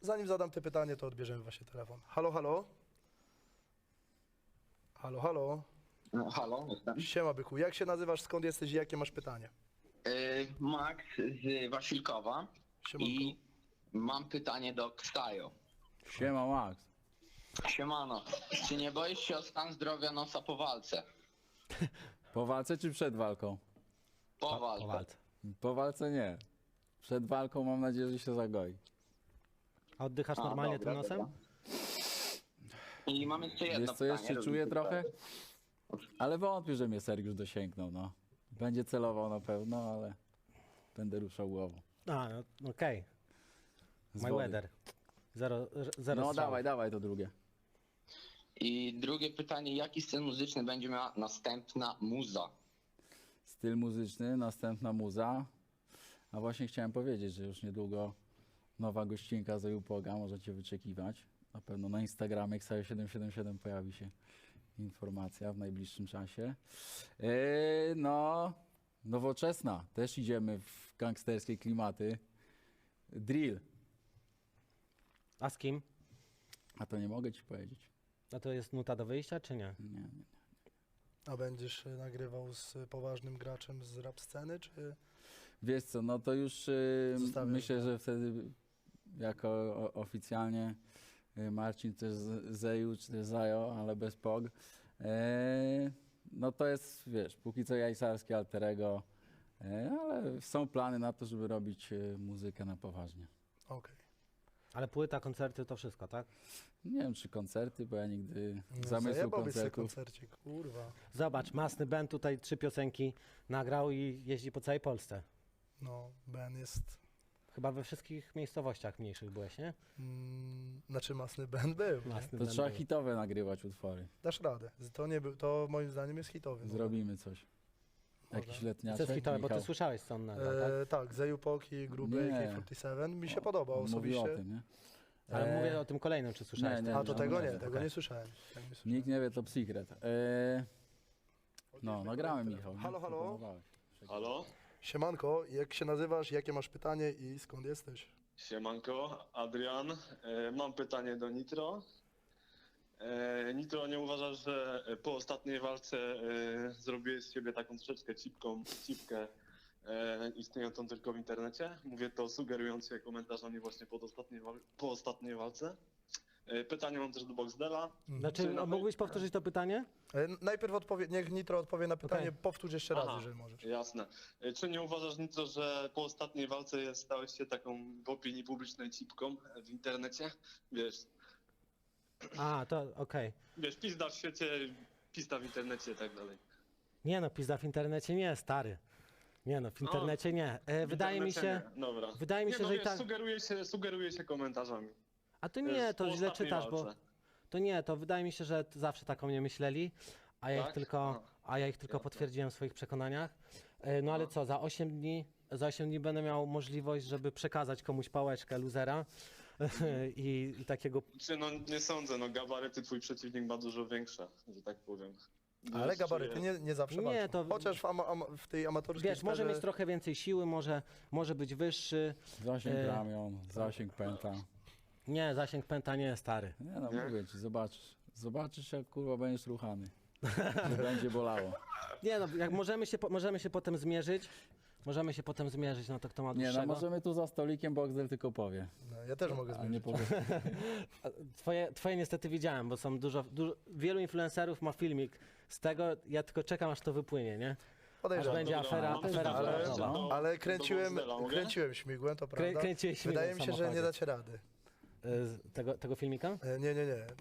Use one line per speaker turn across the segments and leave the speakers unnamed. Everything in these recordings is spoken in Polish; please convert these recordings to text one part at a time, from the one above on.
zanim zadam te pytanie, to odbierzemy właśnie telefon. Halo, halo? Halo, halo?
No, halo, jestem.
Siema, byku. Jak się nazywasz, skąd jesteś i jakie masz pytanie?
Max z Wasilkowa
Siemanko.
i mam pytanie do Ksajo.
Siema Max.
Siemano, czy nie boisz się o stan zdrowia nosa po walce?
Po walce czy przed walką?
Po walce.
Po walce nie. Przed walką mam nadzieję, że się zagoi.
A oddychasz normalnie
dobra,
tym nosem?
dobra. I mam jeszcze jedno
Wiesz co,
pytanie.
jeszcze czuję trochę? Ale wątpię, że mnie Sergiusz dosięgnął, no. Będzie celował na pewno, ale będę ruszał głową.
A, no, okej.
Z
My
wody.
weather. Zero
No
strzałów.
dawaj to drugie.
I drugie pytanie, jaki styl muzyczny będzie miała następna muza?
Styl muzyczny, następna muza. A właśnie chciałem powiedzieć, że już niedługo nowa gościnka z Eupoga, możecie wyczekiwać. Na pewno na Instagramie Ksajo777 pojawi się informacja w najbliższym czasie. No, nowoczesna. Też idziemy w gangsterskie klimaty. Drill.
A z kim?
A to nie mogę ci powiedzieć.
A to jest nuta do wyjścia, czy nie?
Nie.
A będziesz nagrywał z poważnym graczem z rap sceny, czy...
Wiesz co, no to już
Zostawiam.
myślę, że wtedy jako oficjalnie Marcin też Zeju czy też Zajo, ale bez POG. No to jest, wiesz, póki co jajsarskie alterego, ale są plany na to, żeby robić muzykę na poważnie.
Okej.
Ale płyta, koncerty, to wszystko, tak?
Nie wiem, czy koncerty, bo ja nigdy
No,
zamysłu
zajebałbyś sobie
koncertów.
koncercik, kurwa.
Zobacz, Masny Ben tutaj 3 piosenki nagrał i jeździ po całej Polsce.
No, Ben jest...
Chyba we wszystkich miejscowościach mniejszych byłeś, nie?
Znaczy masny Ben był. Nie?
Masny
To
Ben
trzeba
był.
hitowe nagrywać utwory.
Dasz radę. To nie był, to moim zdaniem jest hitowy.
Zrobimy coś. Jakiś
Co
letniaczek,
jest hitowe, bo ty
Michał.
słyszałeś, co on nagrał, tak?
Tak, Zeju Poki, Gruby,
Nie.
K47. Mi się podobał
On mówi
osobiście.
o tym, nie?
Ale mówię o tym kolejnym, czy słyszałeś?
nie,
ten?
A to tego nie,
nie,
tego nie słyszałem. Tego nie słyszałem.
Nikt nie wie, to secret. No, nagrałem Michał. nie?
Halo, halo?
Proponowałeś.
Halo?
Siemanko, jak się nazywasz, jakie masz pytanie i skąd jesteś?
Siemanko, Adrian. Mam pytanie do Nitro. Nitro, nie uważasz, że po ostatniej walce zrobiłeś z siebie taką troszeczkę cipkę istniejącą tylko w internecie? Mówię to sugerując się komentarzami właśnie po ostatniej walce. Pytanie mam też do Boxdela.
Znaczy,
Czy na-
mógłbyś powtórzyć to pytanie?
Najpierw niech Nitro odpowie na pytanie,
Okej.
powtórz jeszcze raz,
Aha,
jeżeli możesz.
Jasne. Czy nie uważasz, Nitro, że po ostatniej walce stałeś się taką w opinii publicznej cipką w internecie? Wiesz,
A, to okej.
wiesz, pizda w świecie, pizda w internecie i tak dalej.
Nie no, pizda w internecie nie, stary. Nie no, w internecie nie. Wydaje mi się...
Nie. Dobra.
wydaje mi się,
nie, no,
że i
wiesz,
tak-
sugeruje się komentarzami.
A to nie, to
po
źle
ostatniej
czytasz, bo...
walce.
To nie, to wydaje mi się, że zawsze tak o mnie myśleli, a ja
Tak?
ich tylko potwierdziłem w swoich przekonaniach. No ale co, za 8 dni będę miał możliwość, żeby przekazać komuś pałeczkę luzera i takiego...
Czy no nie sądzę, no gabaryty twój przeciwnik ma dużo większe, że tak powiem.
Ale
Wiesz,
gabaryty
czuję-
nie zawsze
Nie,
walczą.
to-
Chociaż w tej amatorskiej
Wiesz, może
sferze-
mieć trochę więcej siły, może być wyższy.
Zasięg ramion, zasięg pęta.
Nie, zasięg pęta nie, stary.
Nie no,
Nie?
mówię ci, zobaczysz. Zobaczysz, jak kurwa będziesz ruchany. Że będzie bolało.
Nie no, jak możemy się potem zmierzyć, no to kto ma
Nie
dłuższego.
no, możemy tu za stolikiem, Boxdel tylko powie.
No, ja też mogę
A nie
zmierzyć.
powie.
Twoje niestety widziałem, bo są wielu influencerów ma filmik z tego, ja tylko czekam aż to wypłynie, nie? Aż
Podejrzewam.
będzie
Dobra,
afera,
mam
afera
pytanie
branżowa.
do-
Ale
do
kręciłem
Boxdela, mogę?
śmigłem, to prawda.
kręciłeś śmigłem
Wydaje
w
mi się, że
samochodzie.
nie dacie rady.
Tego filmika?
Nie.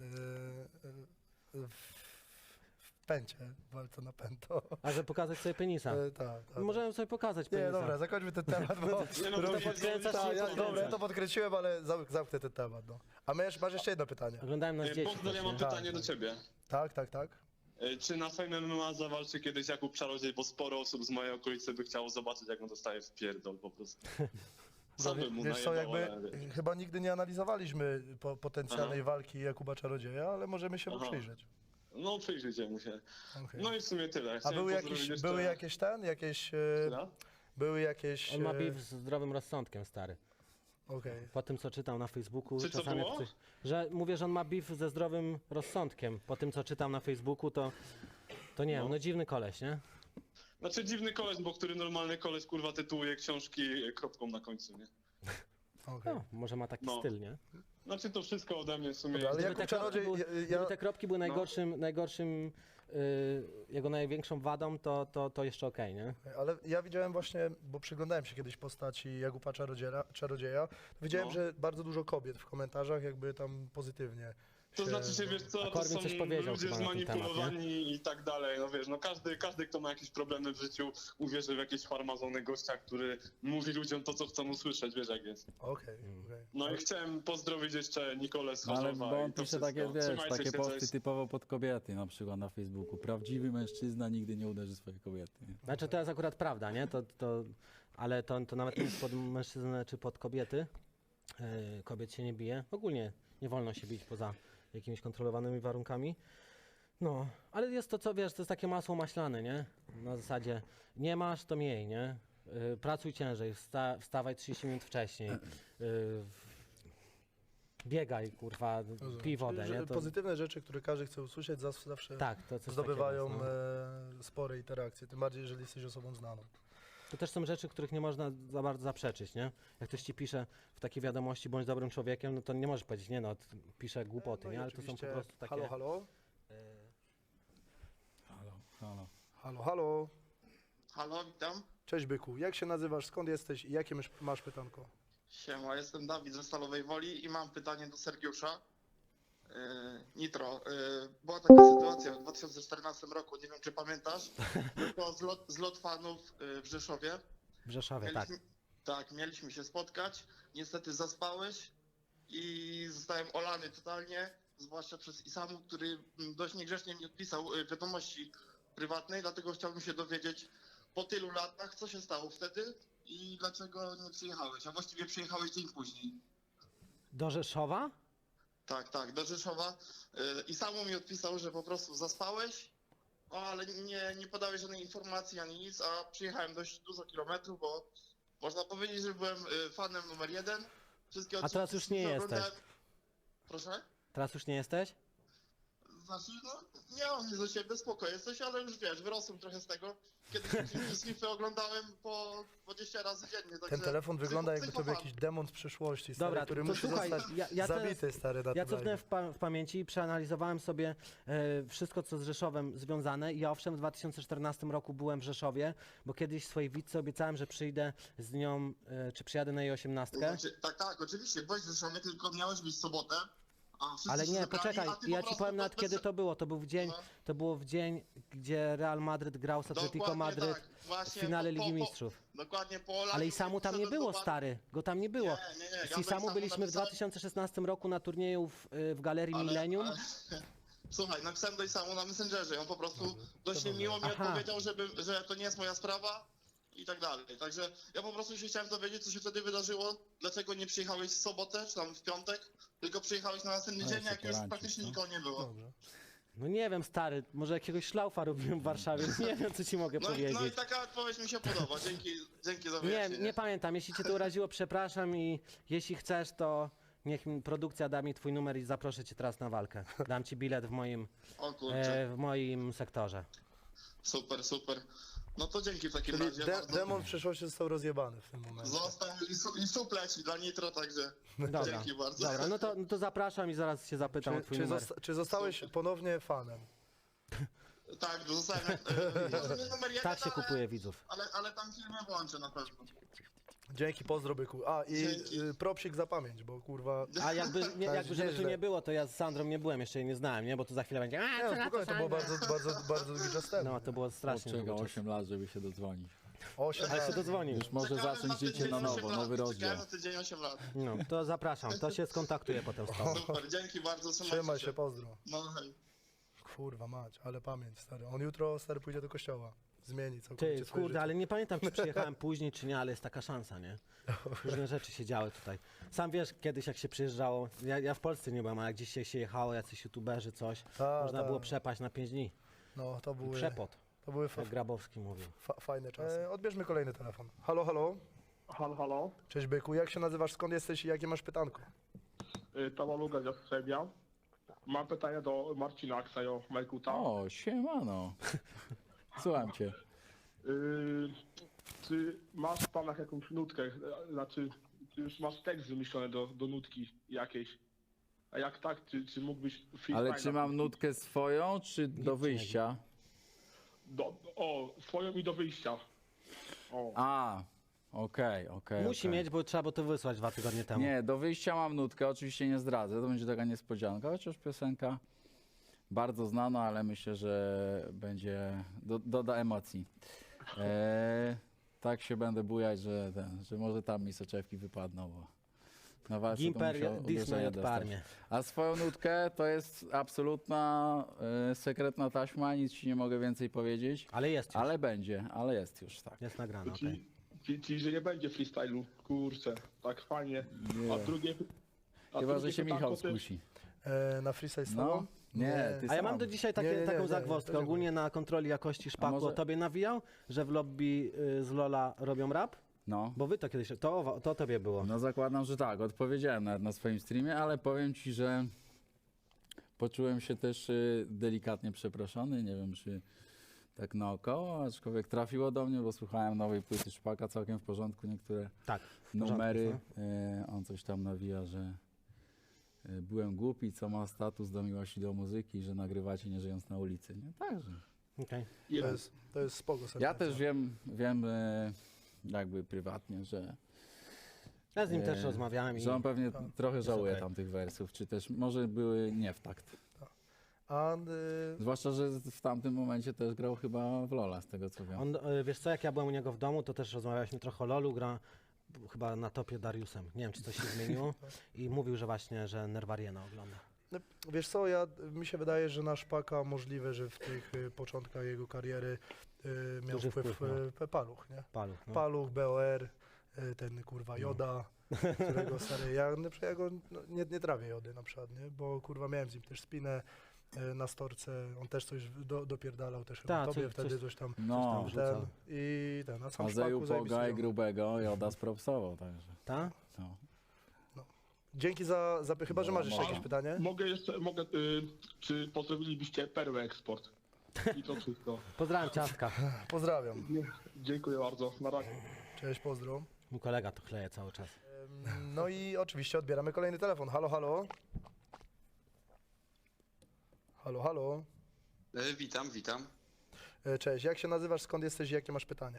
W pęcie, walce na pęto.
A że pokazać sobie penisa.
Tak.
Możemy sobie pokazać penisa.
Nie, dobra, zakończmy ten temat, bo...
Nie, no,
robi-
to
podkręcasz
Tak,
się,
ja,
podkręcasz.
dobra, ja to podkręciłem, ale zamknę ten temat, no. A masz jeszcze jedno pytanie.
Oglądałem nas dzieci.
Boxdel, ja mam
Tak,
pytanie
tak.
do ciebie.
Tak.
Czy na Fame MMA zawalczy kiedyś Jakub Czarodziej, bo sporo osób z mojej okolicy by chciało zobaczyć, jak on dostaje w pierdol po prostu. Sam bym mu
Wiesz co,
najebał,
jakby
ale wiesz.
chyba nigdy nie analizowaliśmy potencjalnej walki Jakuba Czarodzieja, ale możemy się mu
Aha.
przyjrzeć.
No przyjrzyjcie mu się.
Okej.
No i w sumie tyle.
A
Chciałem
były
pozdrowić jeszcze-
jakieś
Chwila?
były jakieś...
On ma beef z zdrowym rozsądkiem, stary.
Okej.
Po tym, co czytam na Facebooku,
Czy co
czasami
było?
że mówię, że on ma beef ze zdrowym rozsądkiem. Po tym, co czytam na Facebooku, to nie wiem, no dziwny koleś, nie?
Znaczy dziwny koleś, bo który normalny koleś kurwa tytułuje książki kropką na końcu, nie?
Okej.
No, może ma taki
No.
styl, nie?
Znaczy to wszystko ode mnie w sumie.
Dobra, ale
Gdyby
Jakub
te kropki
Czarodziej,
były-
ja,
Gdyby te kropki były najgorszym jego największą wadą, to jeszcze okej, nie?
ale ja widziałem właśnie, bo przyglądałem się kiedyś postaci Jakuba Czarodzieja, widziałem,
No.
że bardzo dużo kobiet w komentarzach jakby tam pozytywnie
To
się-
znaczy się, wiesz co,
A
to
Korwin
są
coś powiedział
ludzie
chyba na ten temat,
zmanipulowani i tak dalej, no wiesz, no każdy kto ma jakieś problemy w życiu uwierzy w jakieś farmazony gościa, który mówi ludziom to, co chcą usłyszeć, wiesz jak jest.
Okej.
No i chciałem pozdrowić jeszcze Nikolę z
No, ale
Chorzowa
bo on
i to
pisze
wszystko.
takie, wiesz,
Trzymajcie
takie
się,
posty
cześć.
typowo pod kobiety, na przykład na Facebooku. Prawdziwy mężczyzna nigdy nie uderzy swojej kobiety. Nie?
Znaczy to jest akurat prawda, nie? Ale to nawet nie jest pod mężczyznę czy pod kobiety. Kobiet się nie bije. Ogólnie nie wolno się bić poza jakimiś kontrolowanymi warunkami. No, ale jest to, co wiesz, to jest takie masło maślane, nie? Na zasadzie nie masz, to miej, nie? Pracuj ciężej, wstawaj 30 minut wcześniej. Biegaj, kurwa,
Rozumiem.
pij wodę,
Czyli, że
nie? To,
Pozytywne rzeczy, które każdy chce usłyszeć, zawsze
tak, to coś
zdobywają
takiego jest, no.
spore interakcje, tym bardziej, jeżeli jesteś osobą znaną.
To też są rzeczy, których nie można za bardzo zaprzeczyć, nie? Jak ktoś ci pisze w takiej wiadomości, bądź dobrym człowiekiem, no to nie możesz powiedzieć, nie no, pisze głupoty,
No i
nie? Ale to są po
oczywiście
prostu takie...
Halo, halo?
Halo, halo.
Halo, halo?
Halo, witam.
Cześć byku, jak się nazywasz, skąd jesteś i jakie masz pytanko?
Siema, jestem Dawid ze Stalowej Woli i mam pytanie do Sergiusza. Nitro, była taka sytuacja w 2014 roku, nie wiem czy pamiętasz, to zlot fanów w Rzeszowie.
W Rzeszowie, tak.
Tak, mieliśmy się spotkać, niestety zaspałeś i zostałem olany totalnie, zwłaszcza przez Isamu, który dość niegrzecznie mi odpisał wiadomości prywatnej, dlatego chciałbym się dowiedzieć po tylu latach, co się stało wtedy i dlaczego nie przyjechałeś, a właściwie przyjechałeś dzień później.
Do Rzeszowa?
Tak, do Rzeszowa. I samo mi odpisał, że po prostu zaspałeś, ale nie podałeś żadnej informacji ani nic, a przyjechałem dość dużo kilometrów, bo można powiedzieć, że byłem fanem numer 1. Wszystkie
A teraz już nie
odcinki
jesteś.
oglądałem. Proszę?
Teraz już nie jesteś?
Znaczy, no, nie mam nic do ciebie, spoko jesteś, ale już wiesz, wyrosłem trochę z tego. Kiedyś odcinki z FIFA oglądałem po 20 razy dziennie, także...
Ten telefon wygląda jakby to był
psychofan.
jakiś demon z przyszłości, stary,
Dobra,
który
to
musi
słuchaj,
zostać
ja teraz-
zabity, stary, na
Ja
tym
cofnę
live.
w pamięci i przeanalizowałem sobie wszystko, co z Rzeszowem związane. I ja owszem, w 2014 roku byłem w Rzeszowie, bo kiedyś swojej widce obiecałem, że przyjdę z nią, czy przyjadę na jej 18.
Znaczy, tak, oczywiście, byłeś w Rzeszowie, tylko miałeś być w sobotę. A wszyscy
Ale
się
nie,
zebrali,
poczekaj,
a ty
ja
po
ci
prostu
powiem nawet
bez-
kiedy to było.
No.
To było w dzień, gdzie Real Madryt grał z Atletico
Dokładnie
Madryt
tak,
w
właśnie
finale Ligi
po-
Mistrzów.
Dokładnie po Olaniu
Ale i samu tam nie
wszedłem
było,
do baru.
stary. Go tam nie było.
Nie,
Z
ja
Isamu
samu
byliśmy w
napisałem,
2016 roku na turnieju w Galerii
ale-
Millennium.
Słuchaj, napisałem do Isamu na Messengerze, on po prostu dość niemiło mi
Aha.
odpowiedział, że to nie jest moja sprawa i tak dalej. Także ja po prostu się chciałem dowiedzieć, co się wtedy wydarzyło, dlaczego nie przyjechałeś w sobotę, czy tam w piątek, tylko przyjechałeś na następny
Ale
dzień,
co
jak już
poradzisz,
praktycznie
no?
nikogo nie było.
Dobrze.
No nie wiem, stary, może jakiegoś szlaufa robiłem w Warszawie, nie wiem, co ci mogę
No i
powiedzieć.
taka odpowiedź mi się podoba, dzięki za
Nie,
wyjaśnienie.
nie pamiętam, jeśli cię to uraziło, przepraszam i jeśli chcesz, to niech produkcja da mi twój numer i zaproszę cię teraz na walkę. Dam ci bilet
O kurczę,
w moim sektorze.
super. No to dzięki w takim
Czyli
razie bardzo.
demon w przyszłości został rozjebany w tym momencie.
Został i sup leci dla Nitro, także
Dobra,
dzięki bardzo.
dobra, no to zapraszam i zaraz się zapytam o twój numer.
Czy zostałeś ponownie fanem?
Tak, zostałem może nie numer 1,
Tak się kupuje widzów.
ale tam filmy włączę na pewno.
Dzięki, pozdro byku. A i
Dzięki.
propsik za pamięć, bo kurwa...
A jakby żeby tu
nieźle.
nie było, to ja z Sandrą nie byłem, jeszcze jej nie znałem, nie? Bo tu za chwilę będzie.
Nie, no, spokojnie, to było bardzo długi czas temu.
No, to było strasznie
Czeka
długo czasu.
8 lat, żeby się dodzwonić.
8
Ale się
lat.
dodzwonił.
Już może
Czekałem
zacząć
na
życie
tydzień
na
8
nowo,
lat.
nowy rozdział.
Czekałem na tydzień 8 lat.
No, to zapraszam, to się skontaktuje potem z tobą.
Super, dzięki bardzo,
Trzymaj się, pozdro.
No hej.
Kurwa mać, ale pamięć, stary. On jutro, stary, pójdzie do kościoła. Zmieni całkowicie
Ty,
swoje
kurde,
życie.
ale nie pamiętam, czy przyjechałem później, czy nie, ale jest taka szansa, nie? Różne rzeczy się działy tutaj. Sam wiesz, kiedyś jak się przyjeżdżało, ja w Polsce nie byłem, a jak gdzieś się jechało, jacyś youtuberzy, coś, można było przepaść na 5 dni.
No, to były,
Przepot,
to były
jak Grabowski mówił.
fajne czasy. Odbierzmy kolejny telefon. Halo, halo?
Halo, halo.
Cześć byku, jak się nazywasz, skąd jesteś i jakie masz pytanko?
Tawaluga z Jastrzębia. Mam pytanie do Marcina Aksajo Majkuta.
O, siemano. Słucham cię.
Czy masz w planach jakąś nutkę, znaczy, czy już masz tekst wymyślony do nutki jakiejś? A jak tak, czy mógłbyś freestyle
Ale czy mam
napisać?
nutkę swoją, czy do wyjścia?
Swoją i do wyjścia. O.
A, okej.
Musi mieć, bo trzeba było to wysłać 2 tygodnie temu.
Nie, do wyjścia mam nutkę, oczywiście nie zdradzę, to będzie taka niespodzianka, chociaż piosenka bardzo znana, ale myślę, że będzie, doda emocji. Tak się będę bujać, że może tam mi soczewki wypadną, bo na walce to
Gimper
musiał
Disney
uderzenie
od
dostać.
Parmie.
A swoją nutkę to jest absolutna sekretna taśma, nic ci nie mogę więcej powiedzieć,
Ale jest już.
ale będzie, ale jest już, tak.
Jest nagrane, okej.
Czyli, że nie będzie freestylu, kurczę, tak fajnie.
Nie.
A drugie...
Chyba, że
drugie
się
pytanko
Michał
to-
skusi.
Na freestyle z
No,
tobą?
nie, ty
A ja mam
sam.
do dzisiaj
Nie,
taką
nie,
zagwozdkę.
to
Ogólnie na kontroli jakości szpaku
może-
o tobie nawijał, że w lobby z Lola robią rap?
No.
Bo wy to kiedyś, to tobie było.
No zakładam, że tak, odpowiedziałem nawet na swoim streamie, ale powiem ci, że poczułem się też delikatnie przeproszony, nie wiem czy tak naokoło, aczkolwiek trafiło do mnie, bo słuchałem nowej płyty Szpaka, całkiem w porządku, niektóre
Tak. w porządku
numery,
jest,
on coś tam nawija, że byłem głupi, co ma status do miłości do muzyki, że nagrywacie nie żyjąc na ulicy, nie? Także.
Okej.
To jest spoko
Ja
sentencja.
też wiem jakby prywatnie, że
Ja z nim też rozmawiałem i
że on pewnie
Tak.
trochę żałuje
okej.
tamtych wersów, czy też może były nie w takt.
A
Zwłaszcza, że w tamtym momencie też grał chyba w Lola, z tego co wiem.
on, wiesz co, jak ja byłem u niego w domu, to też rozmawialiśmy trochę o Lolu, gra chyba na topie Dariusem. Nie wiem, czy coś się zmieniło. I mówił, że właśnie, że Nerwariena ogląda.
wiesz co, mi się wydaje, że na Szpaka możliwe, że w tych początkach jego kariery miał
Duży
wpływ
wpływ,
Paluch, nie?
Paluch, no.
Paluch, BOR, ten kurwa Joda, którego stary, ja go nie trawię Jody na przykład, nie? Bo kurwa miałem z nim też spinę na storce, on też coś dopierdalał też chyba
Ta,
tobie
coś-
wtedy coś tam,
No,
coś tam
ten i ten, a sam
a
Szpaku
Zeju Poga i
zajebisty.
Grubego Joda spropsował, także.
Ta?
No.
Dzięki za chyba, że masz jeszcze
No.
jakieś pytanie?
Mogę, czy pozdrowilibyście Perłę Eksport? I to wszystko.
Pozdrawiam ciastka.
Pozdrawiam,
Dziękuję bardzo, na razie.
cześć, pozdro.
Mój kolega to chleje cały czas.
No i oczywiście odbieramy kolejny telefon, halo, halo. Halo, halo.
Witam.
Cześć, jak się nazywasz, skąd jesteś i jakie masz pytanie?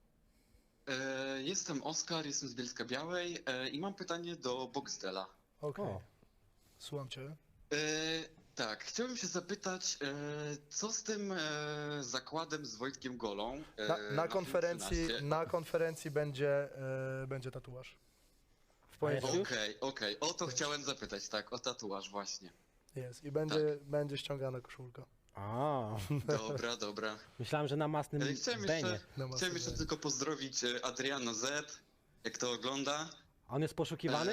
Jestem Oskar, jestem z Bielska Białej i mam pytanie do Boxdela.
Okej,
O.
słucham cię.
Tak, chciałbym się zapytać, co z tym zakładem z Wojtkiem Golą?
Na konferencji będzie tatuaż. W poniedziałek
Okej, o to chciałem zapytać, tak, o tatuaż właśnie.
jest i będzie ściągana koszulka.
A,
Dobra.
myślałem, że na masnym
Chciałem
Benie.
jeszcze tylko pozdrowić Adriano Z, jak to ogląda.
On jest poszukiwany?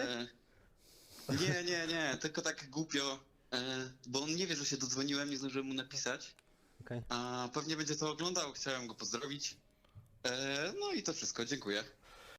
Nie, tylko tak głupio, bo on nie wie, że się dodzwoniłem, nie zdążyłem mu napisać.
Okej.
A pewnie będzie to oglądał, chciałem go pozdrowić. No i to wszystko, dziękuję.